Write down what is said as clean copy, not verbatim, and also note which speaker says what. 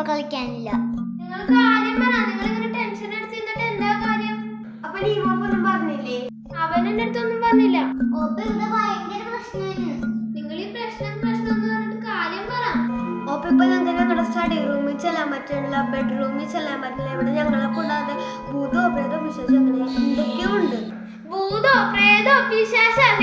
Speaker 1: ഇപ്പൊ കളിക്കാനില്ല.
Speaker 2: നിങ്ങൾ കാര്യം പറ. നിങ്ങൾ ഇങ്ങനെ ടെൻഷൻ എടുത്തിരുന്നിട്ട് എന്താ കാര്യം? അപ്പൊ ലീവൊന്നും പറഞ്ഞില്ലേ? അവൻ എന്റെ അടുത്തൊന്നും പറഞ്ഞില്ല.
Speaker 1: ഭയങ്കര പ്രശ്നമാണ്.
Speaker 2: നിങ്ങൾ ഈ പ്രശ്നം എന്ന് പറഞ്ഞിട്ട് കാര്യം പറ. ഓപ്പ ഇപ്പൊ ഞങ്ങൾക്ക് ഞങ്ങളുടെ സ്റ്റഡി റൂമിൽ ചെല്ലാൻ പറ്റില്ല, ബെഡ്റൂമിൽ ചെല്ലാൻ പറ്റില്ല. ഇവിടെ ഞങ്ങളെ കൂടാതെ ഭൂതോ പ്രേതോ പിശാചോ അങ്ങനെ എന്തൊക്കെയോ ഉണ്ട്. ഭൂതോ പ്രേതോ പിശാചോ